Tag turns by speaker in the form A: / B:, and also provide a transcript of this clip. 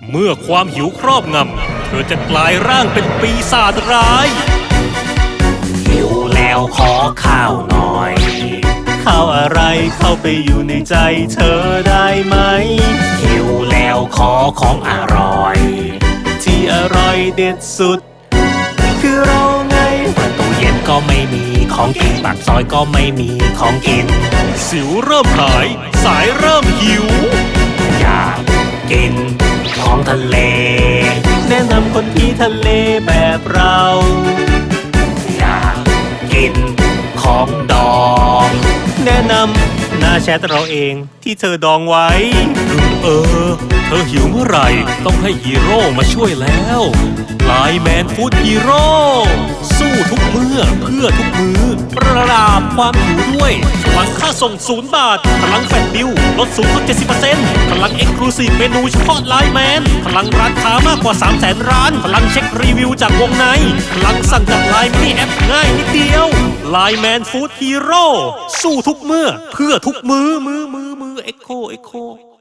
A: เมื่อความหิวครอบงำเธอจะกลายร่างเป็นปีศาจร้ายหิวแล้วขอข้าวหน่อยข้าวอะไรเข้าไปอยู่ในใจเธอได้ไหมหิวแล้วขอของอร่อยที่อร่อยเด็ดสุดคือเราไงเปิดตู้เย็นก็ไม่มีของกินปากซอยก็ไม่มีของกินสิวเริ่มหายสายเริ่มหิวอยากกินของทะเลแนะนำคนที่ทะเลแบบเราอยากกินของดองแนะนำหน้าแชทเราเองที่เธอดองไว้เธอหิวเมื่อไหร่ต้องให้ฮีโร่มาช่วยแล้วไลน์แมนฟู้ดฮีโร่สู้ทุกเมื่อเพื่อทุกมื้อปราบความหิวด้วยพลังค่าส่ง0 บาทพลังแฟลชดิวลดสูงสุด 70% พลังเอ็กซ์คลูซีฟเมนูเฉพาะไลน์แมนพลังร้านค้ามากกว่า 300,000 ร้านพลังเช็ครีวิวจากวงในพลังสั่งจากไลน์มินิแอปง่ายนิดเดียวไลน์แมนฟู้ดฮีโร่สู้ทุกเมื่อเพื่อทุกมื้อเอ็กโค